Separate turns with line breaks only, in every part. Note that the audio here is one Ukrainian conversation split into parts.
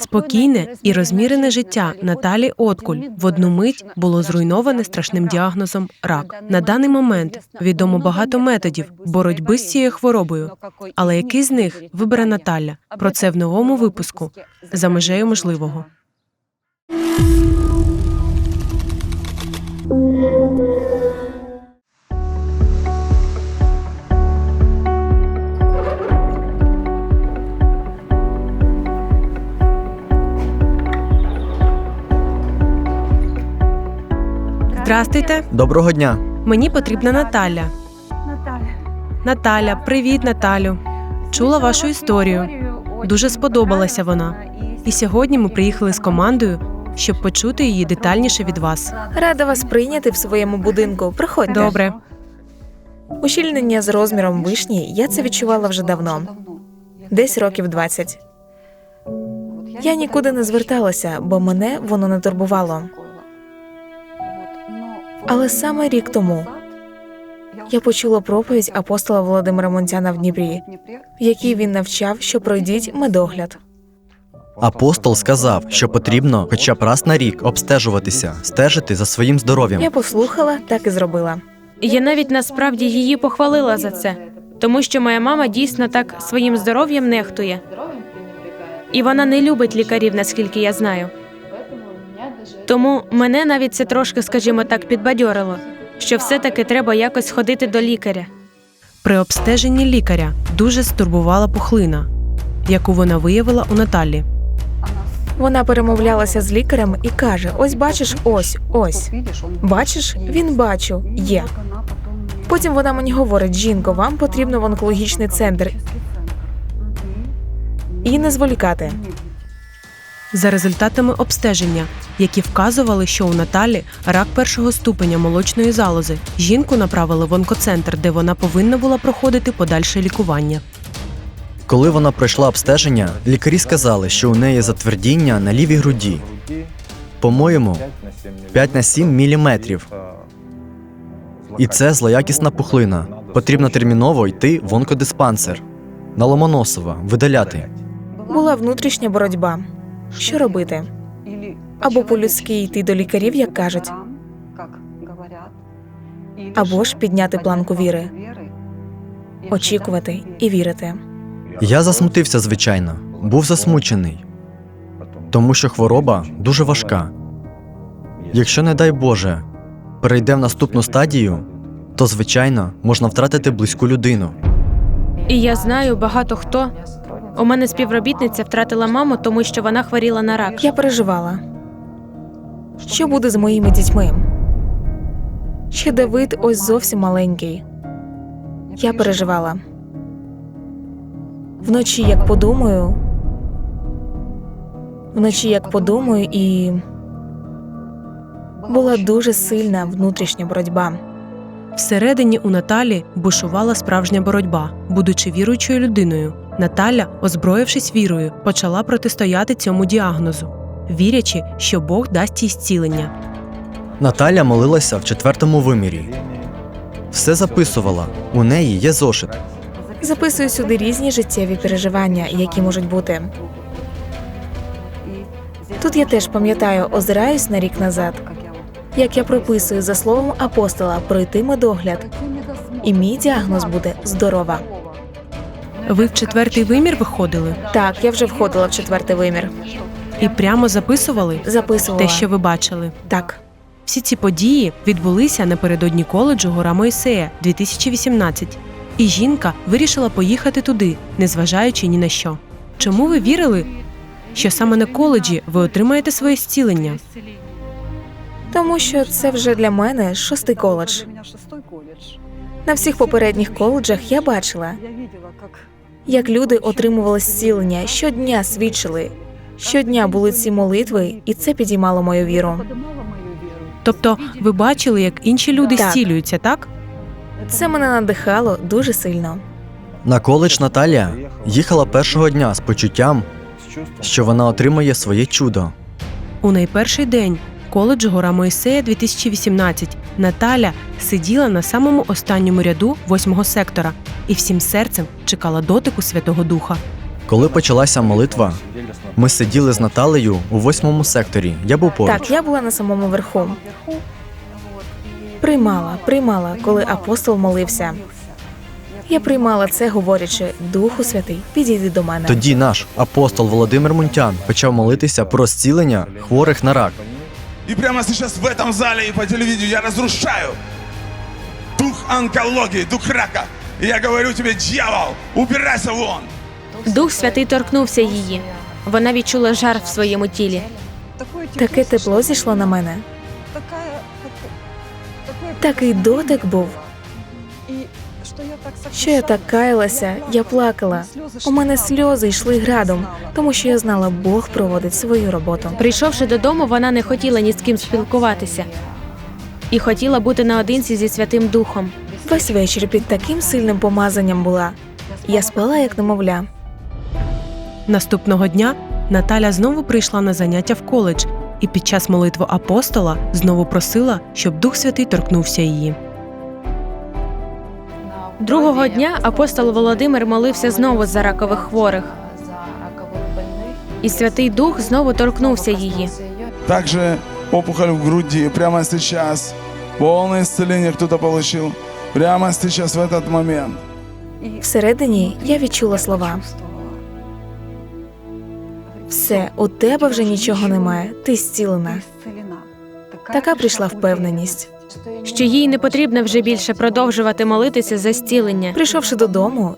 Спокійне і розмірене життя Наталі Откуль в одну мить було зруйноване страшним діагнозом – рак. На даний момент відомо багато методів боротьби з цією хворобою. Але який з них вибере Наталя? Про це в новому випуску «За межею можливого». Здрастуйте.
Доброго дня.
Мені потрібна Наталя. Наталя, привіт, Наталю. Чула вашу історію. Дуже сподобалася вона. І сьогодні ми приїхали з командою, щоб почути її детальніше від вас.
Рада вас прийняти в своєму будинку. Приходьте.
Добре.
Ущільнення з розміром вишні я це відчувала вже давно. Десь років 20. Я нікуди не зверталася, бо мене воно не турбувало. Але саме рік тому я почула проповідь апостола Володимира Монтяна в Дніпрі, в якій він навчав, що пройдіть медогляд.
Апостол сказав, що потрібно хоча б раз на рік обстежуватися, стежити за своїм здоров'ям.
Я послухала, так і зробила.
Я навіть насправді її похвалила за це, тому що моя мама дійсно так своїм здоров'ям нехтує. І вона не любить лікарів, наскільки я знаю. Тому мене навіть це трошки, скажімо так, підбадьорило, що все-таки треба якось ходити до лікаря.
При обстеженні лікаря дуже стурбувала пухлина, яку вона виявила у Наталі.
Вона перемовлялася з лікарем і каже: ось бачиш, ось. Бачиш? Він бачу, є. Потім вона мені говорить: жінко, вам потрібно в онкологічний центр. І не зволікати.
За результатами обстеження, які вказували, що у Наталі рак першого ступеня молочної залози, жінку направили в онкоцентр, де вона повинна була проходити подальше лікування.
Коли вона пройшла обстеження, лікарі сказали, що у неї затвердіння на лівій груді. По-моєму, 5 на 7 міліметрів. І це злоякісна пухлина. Потрібно терміново йти в онкодиспансер. На Ломоносова видаляти.
Була внутрішня боротьба. Що робити? Або по-людськи йти до лікарів, як кажуть, або ж підняти планку віри, очікувати і вірити.
Я засмутився, звичайно. Був засмучений. Тому що хвороба дуже важка. Якщо, не дай Боже, перейде в наступну стадію, то, звичайно, можна втратити близьку людину.
І я знаю багато хто. У мене співробітниця втратила маму, тому що вона хворіла на рак.
Я переживала. Що буде з моїми дітьми? Ще Давид ось зовсім маленький. Я переживала. Вночі як подумаю, і була дуже сильна внутрішня боротьба.
Всередині у Наталі бушувала справжня боротьба. Будучи віруючою людиною, Наталя, озброївшись вірою, почала протистояти цьому діагнозу, вірячи, що Бог дасть їй зцілення.
Наталя молилася в 4-му вимірі. Все записувала. У неї є зошит.
Записую сюди різні життєві переживання, які можуть бути. Тут я теж пам'ятаю, озираюсь на рік назад, як я прописую за словом апостола пройти медогляд. І мій діагноз буде здорова.
Ви в 4-й вимір виходили?
Так, я вже входила в 4-й вимір.
І прямо записували
Записувала.
те, що ви бачили?
Так.
Всі ці події відбулися напередодні коледжу «Гора Мойсея» 2018. І жінка вирішила поїхати туди, незважаючи ні на що. Чому ви вірили, що саме на коледжі ви отримаєте своє зцілення?
Тому що це вже для мене 6-й коледж. На всіх попередніх коледжах я бачила, як люди отримували зцілення, щодня свідчили, щодня були ці молитви, і це підіймало мою віру.
Тобто ви бачили, як інші люди
Так.
зцілюються, так?
Це мене надихало дуже сильно.
На коледж Наталя їхала першого дня з почуттям, що вона отримає своє чудо.
У найперший день коледжу «Гора Мойсея» 2018 Наталя сиділа на самому останньому ряду 8-го сектора і всім серцем чекала дотику Святого Духа.
Коли почалася молитва, Ми сиділи з Наталею у 8-му секторі. Я був поруч.
Так, я була на самому верху. Приймала, коли апостол молився. Я приймала це, говорячи: Духу Святий, підійди до мене.
Тоді наш апостол Володимир Мунтян почав молитися про зцілення хворих на рак.
И прямо сейчас в этом зале и по телевидению я разрушаю дух онкологии, дух рака. И я говорю тебе, дьявол, убирайся вон.
Дух Святий торкнувся її. Вона відчула жар в своєму тілі.
Таке тепло зійшло на мене. Такий дотик був, що я так каялася, я плакала. У мене сльози йшли градом, тому що я знала, Бог проводить свою роботу.
Прийшовши додому, вона не хотіла ні з ким спілкуватися і хотіла бути наодинці зі Святим Духом.
Весь вечір під таким сильним помазанням була. Я спала, як немовля.
Наступного дня Наталя знову прийшла на заняття в коледж і під час молитви апостола знову просила, щоб Дух Святий торкнувся її.
Другого дня апостол Володимир молився знову за ракових хворих, і Святий Дух знову торкнувся її.
Также опухоль в груди прямо сейчас. Полное исцеление кто-то получил. Прямо сейчас, в этот момент.
Всередині я відчула слова. Все, у тебе вже нічого немає, ти зцілена. Така прийшла впевненість.
Що їй не потрібно вже більше продовжувати молитися за зцілення.
Прийшовши додому,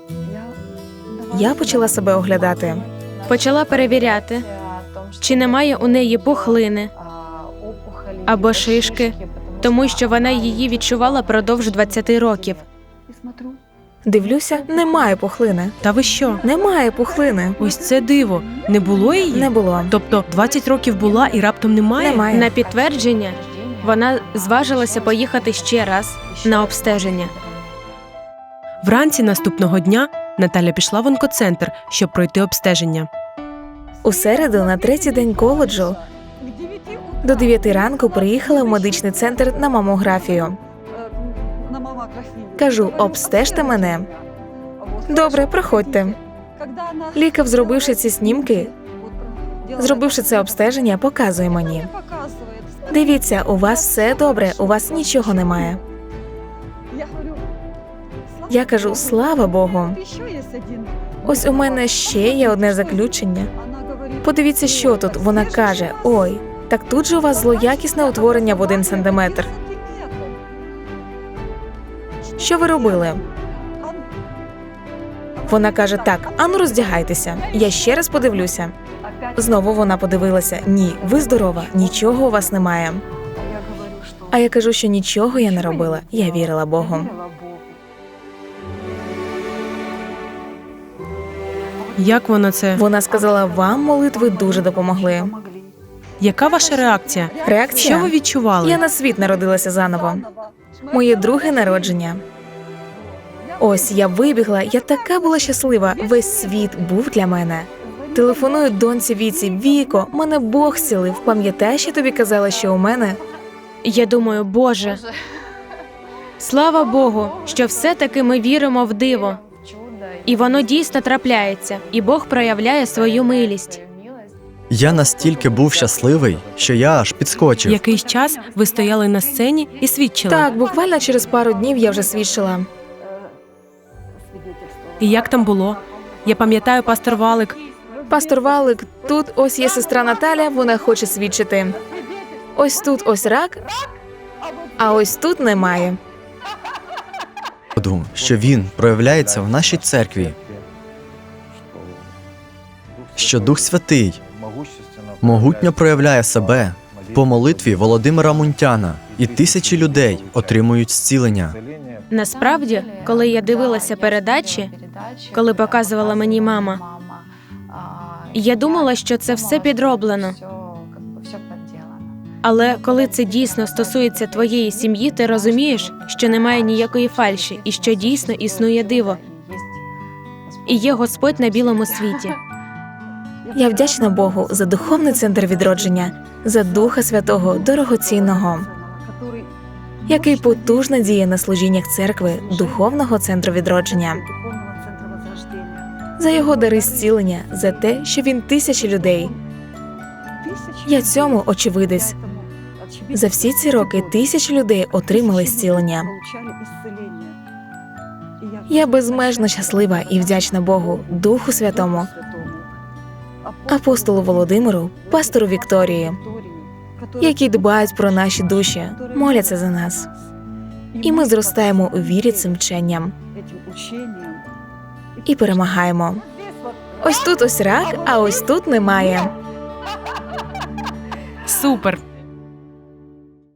я почала себе оглядати.
Почала перевіряти, чи немає у неї пухлини або шишки, тому що вона її відчувала продовж 20 років.
Дивлюся, немає пухлини.
Та ви що?
Немає пухлини.
Ось це диво. Не було її?
Не було.
Тобто 20 років була і раптом немає?
Немає.
На підтвердження вона зважилася поїхати ще раз на обстеження.
Вранці наступного дня Наталя пішла в онкоцентр, щоб пройти обстеження.
У середу, на 3-й день коледжу, до 9 ранку приїхала в медичний центр на мамографію. Кажу, обстежте мене. Добре, проходьте. Лікар, зробивши ці знімки, зробивши це обстеження, показує мені. Дивіться, у вас все добре, у вас нічого немає. Я кажу, слава Богу. Ось у мене ще є одне заключення. Подивіться, що тут. Вона каже, ой, так тут же у вас злоякісне утворення в 1 сантиметр. Що ви робили? Вона каже, так, ану роздягайтеся. Я ще раз подивлюся. Знову вона подивилася. Ні, ви здорова, нічого у вас немає. А я кажу, що нічого я не робила. Я вірила Богу.
Як вона це?
Вона сказала, вам молитви дуже допомогли.
Яка ваша реакція?
Реакція?
Що ви відчували?
Я на світ народилася заново. Моє друге народження. Ось я вибігла, я така була щаслива. Весь світ був для мене. Телефоную доньці Віці. Віко, мене Бог зцілив. Пам'ятаєш, я тобі казала, що у мене?
Я думаю, Боже, слава Богу, що все-таки ми віримо в диво. І воно дійсно трапляється, і Бог проявляє свою милість.
Я настільки був щасливий, що я аж підскочив.
Якийсь час ви стояли на сцені і свідчили.
Так, буквально через пару днів я вже свідчила.
І як там було? Я пам'ятаю, пастор Валик.
Пастор Валик, тут ось є сестра Наталя, вона хоче свідчити. Ось тут ось рак, а ось тут немає.
Що він проявляється в нашій церкві, що Дух Святий могутньо проявляє себе по молитві Володимира Мунтяна, і тисячі людей отримують зцілення.
Насправді, коли я дивилася передачі, коли показувала мені мама, я думала, що це все підроблено. Але коли це дійсно стосується твоєї сім'ї, ти розумієш, що немає ніякої фальші і що дійсно існує диво. І є Господь на білому світі.
Я вдячна Богу за духовний центр відродження, за Духа Святого дорогоцінного, який потужно діє на служіннях церкви, духовного центру відродження. за його дари зцілення, за те, що він тисячі людей. Я цьому очевидець. За всі ці роки тисячі людей отримали зцілення. Я безмежно щаслива і вдячна Богу, Духу Святому, апостолу Володимиру, пастору Вікторії, які дбають про наші душі, моляться за нас. І ми зростаємо у вірі цим вченням і перемагаємо. Ось тут ось рак, а ось тут немає.
Супер!